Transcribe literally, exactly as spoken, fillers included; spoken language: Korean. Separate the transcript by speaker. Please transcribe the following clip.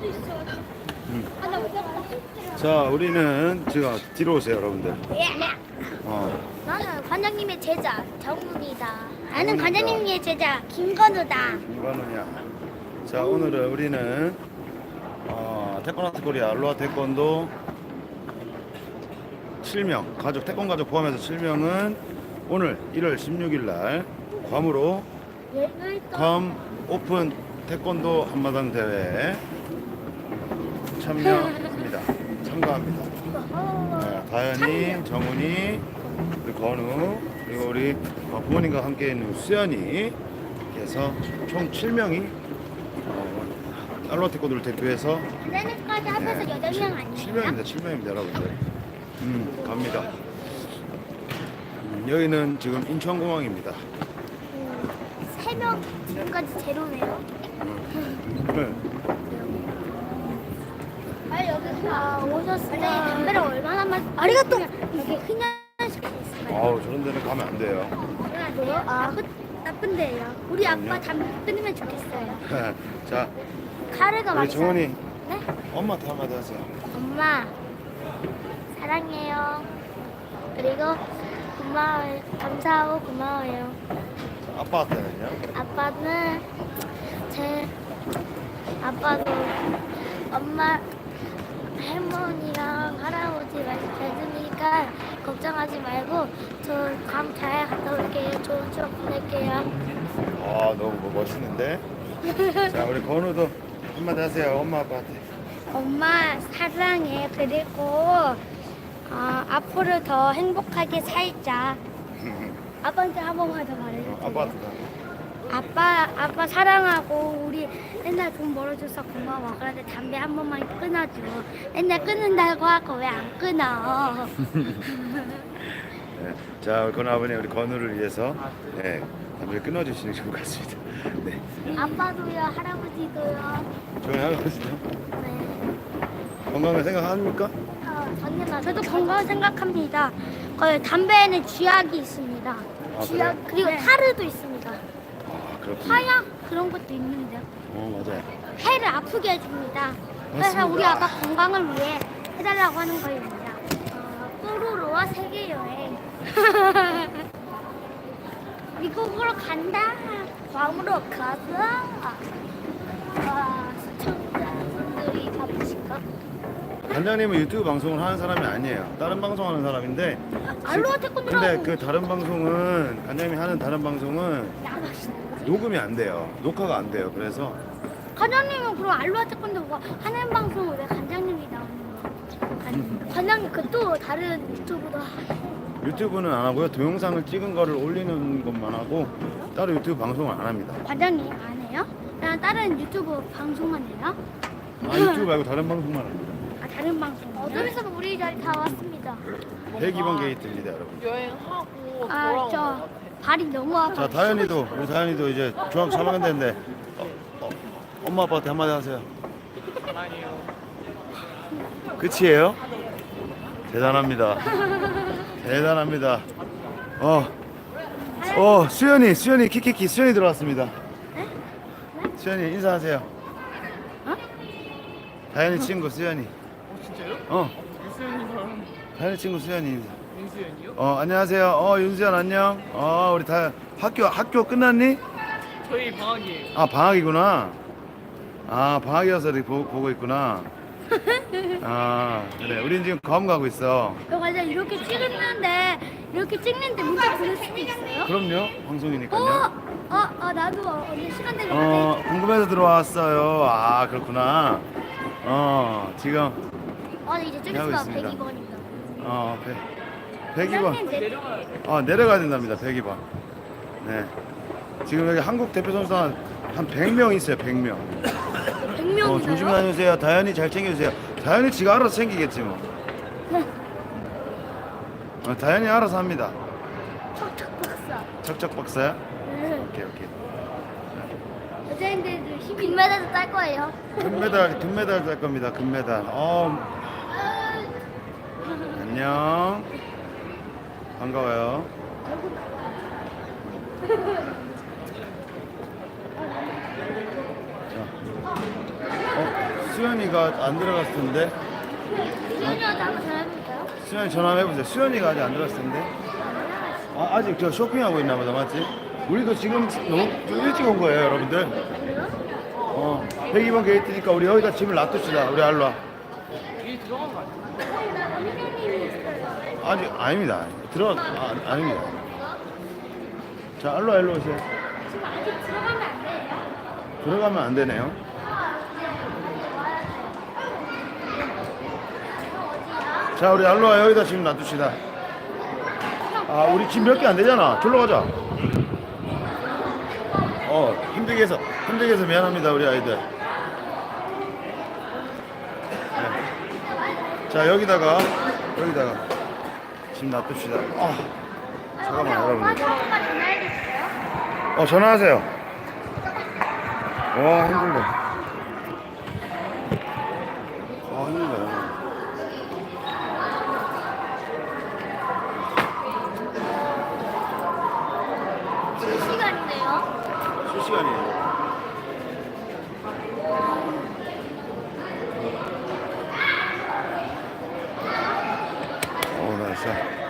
Speaker 1: 음. 자, 우리는 지금 뒤로 오세요, 여러분들. 어,
Speaker 2: 나는 관장님의 제자 정훈이다. 나는
Speaker 1: 정훈이다.
Speaker 2: 관장님의 제자 김건우다.
Speaker 1: 김관훈이야. 자, 오늘은 우리는 어, 태권도 코리아 알로하 태권도 칠 명 가족 태권 가족 포함해서 칠 명은 오늘 일월 십육일 날 괌으로 괌 오픈 태권도 한마당 대회에 참여합니다. 참가합니다. 네, 다현이, 정훈이, 우리 건우, 그리고 우리 부모님과 함께 있는 수연이 해서 총 칠 명이 어, 알로하 태권도를 대표해서
Speaker 2: 내년까지 합해서 여덟 명 아니에요?
Speaker 1: 칠 명입니다. 칠 명입니다, 여러분들. 음, 갑니다. 음, 여기는 지금 인천공항입니다.
Speaker 2: 세 명 지금까지 제로네요.
Speaker 1: 네.
Speaker 2: 아 여기 아, 오셨을 때 담배를 얼마나 만 아리가또 여기 흔연식 있어요.
Speaker 1: 아우, 저런 데는 가면 안 돼요.
Speaker 2: 왜요? 아 나쁜 나쁜데요. 우리
Speaker 1: 그럼요.
Speaker 2: 아빠 담배 끊으면 좋겠어요.
Speaker 1: 자,
Speaker 2: 카레가
Speaker 1: 우리
Speaker 2: 맛있어요.
Speaker 1: 정원이
Speaker 2: 네?
Speaker 1: 엄마한테 한마디 하세요.
Speaker 2: 엄마 사랑해요. 그리고 고마워요. 감사하고 고마워요.
Speaker 1: 자, 아빠한테는요?
Speaker 2: 아빠는 제 아빠도 엄마 할머니랑 할아버지 말씀 잘 들으니까 걱정하지 말고 저 괌 잘 갔다 올게요. 좋은 추억 보낼게요.
Speaker 1: 아, 너무 뭐 멋있는데? 자, 우리 건우도 한마디 하세요. 엄마 아빠한테.
Speaker 2: 엄마 사랑해. 그리고 어, 앞으로 더 행복하게 살자. 아빠한테 한 번만 더 말해줘.
Speaker 1: 어, 아빠한테.
Speaker 2: 아빠 아빠 사랑하고 우리 맨날 돈 벌어줘서 고마워. 그런데 담배 한 번만 끊어줘. 맨날 끊는다고 하고 왜 안 끊어?
Speaker 1: 네. 자, 우리 건우 아버님 우리 건우를 위해서 네, 담배를 끊어주시는 게 좋을 것 같습니다. 네.
Speaker 2: 아빠도요, 할아버지도요.
Speaker 1: 좋은 하루시죠.
Speaker 2: 네.
Speaker 1: 건강을 생각합니까?
Speaker 2: 어, 당연하죠. 저도 건강 생각합니다. 그 담배에는 쥐약이 있습니다. 쥐약
Speaker 1: 그래요?
Speaker 2: 그리고 타르도 있습니다.
Speaker 1: 아, 그렇군요.
Speaker 2: 화약 그런 것도 있는데요.
Speaker 1: 어, 맞아요.
Speaker 2: 폐를 아프게 해줍니다. 그래서
Speaker 1: 맞습니다.
Speaker 2: 우리 아빠 건강을 위해 해달라고 하는 거입니다. 어, 뽀로로와 세계 여행. 미국으로 간다. 괌으로 가자. 와, 시청자분들이 바쁘실까?
Speaker 1: 관장님은 유튜브 방송을 하는 사람이 아니에요. 다른 방송하는 사람인데.
Speaker 2: 알로하 태권도라고.
Speaker 1: 근데 그 다른 방송은 관장님이 하는 다른 방송은 녹음이 안 돼요. 녹화가 안 돼요. 그래서
Speaker 2: 관장님은 그럼 알로하 태권도 뭐 하는 방송을 왜 관장님이 나오는 거야? 관- 관장님 그 또 다른 유튜브도 하-
Speaker 1: 유튜브는 안 하고요. 동영상을 찍은 거를 올리는 것만 하고 따로 유튜브 방송을 안 합니다.
Speaker 2: 관장님 안 해요? 그냥 다른 유튜브 방송만 해요?
Speaker 1: 아, 유튜브 말고 다른 방송만 합니다.
Speaker 2: 아 다른 방송. 어둠에서 우리 자리 다 왔습니다.
Speaker 1: 백이 번 게이트입니다, 여러분.
Speaker 3: 여행하고
Speaker 2: 아
Speaker 3: 돌아온
Speaker 2: 저
Speaker 3: 것 같아.
Speaker 2: 발이 너무 아파.
Speaker 1: 자, 다현이도 우리 다현이도 이제 중학교 삼 학년 됐는데 어, 어, 엄마 아빠한테 한마디 하세요.
Speaker 3: 아니요.
Speaker 1: 끝이에요? 대단합니다. 대단합니다. 어, 어, 수연이, 수연이, 키키키, 수연이 들어왔습니다. 수연이 인사하세요.
Speaker 2: 어?
Speaker 1: 다현이 친구 수연이.
Speaker 3: 어, 진짜요?
Speaker 1: 어,
Speaker 3: 윤수연이랑
Speaker 1: 다현이 친구 수연이. 인사.
Speaker 3: 윤수연이요?
Speaker 1: 어, 안녕하세요. 어, 윤수연 안녕. 어, 우리 다 학교 학교 끝났니?
Speaker 3: 저희 방학이에요.
Speaker 1: 아, 방학이구나. 아, 방학이어서 이렇게 보, 보고 있구나. 아, 그래. 우린 지금 괌 가고 있어.
Speaker 2: 저 과자 이렇게 찍는데 이렇게 찍는데 문자 보낼 수도 있어요?
Speaker 1: 그럼요.
Speaker 2: 어,
Speaker 1: 방송이니까요.
Speaker 2: 어, 어 나도 언니 시간 되면
Speaker 1: 어,
Speaker 2: 어,
Speaker 1: 궁금해서 들어왔어요. 아, 그렇구나. 어, 지금
Speaker 2: 어 이제 좀
Speaker 1: 하고
Speaker 2: 있으면
Speaker 1: 있습니다.
Speaker 2: 백이 번입니다.
Speaker 1: 어, 백이 번.
Speaker 3: 내려가야 돼.
Speaker 1: 아, 내려가야 된답니다. 백이 번. 네. 지금 여기 한국 대표 선수 한, 한 백 명 있어요. 백 명.
Speaker 2: 백
Speaker 1: 어,
Speaker 2: 명이나요?
Speaker 1: 조심 다녀주세요. 다현이 잘 챙겨주세요. 다현이 지가 알아서 챙기겠지 뭐. 어, 다현이 알아서 합니다.
Speaker 2: 척척 박사.
Speaker 1: 척척 박사야?
Speaker 2: 네.
Speaker 1: 오케이, 오케이.
Speaker 2: 여자인들도 힘이 금메달도 딸 거예요.
Speaker 1: 금메달, 금메달 딸 겁니다. 금메달. 어, 안녕. 반가워요. 자. 어, 수연이가 안 들어갔을 텐데.
Speaker 2: 수연이한테 한번 전화해볼까요?
Speaker 1: 수연이 전화 한번 해보세요. 수연이가 아직 안 들어갔을 텐데. 아, 아직 저 쇼핑하고 있나 보다, 맞지? 우리도 지금 너무 좀 일찍 온 거예요, 여러분들. 어, 백이 번 게이트니까 우리 여기다 짐을 놔둡시다. 우리 알로와.
Speaker 3: 여기 들어간 거 아니야?
Speaker 2: 선생님이 있어요.
Speaker 1: 아직 아닙니다. 들어 아, 아닙니다. 자, 알로와 일로 오세요.
Speaker 2: 지금 아직 들어가면 안 돼요.
Speaker 1: 들어가면 안 되네요. 자, 우리 알로와 여기다 짐 놔둡시다. 아, 우리 짐 몇 개 안 되잖아. 졸로 가자. 어, 힘들게 해서 힘들게 해서 미안합니다, 우리 아이들. 네. 자, 여기다가 여기다가 짐 놔둡시다. 아, 잠깐만,
Speaker 2: 오빠
Speaker 1: 여러분.
Speaker 2: 전화가 전화해줬어요?
Speaker 1: 어, 전화하세요. 와, 힘들다. 아, 힘들다.
Speaker 2: 실시간인데요?
Speaker 1: 실시간이에요. 어, 나 진짜.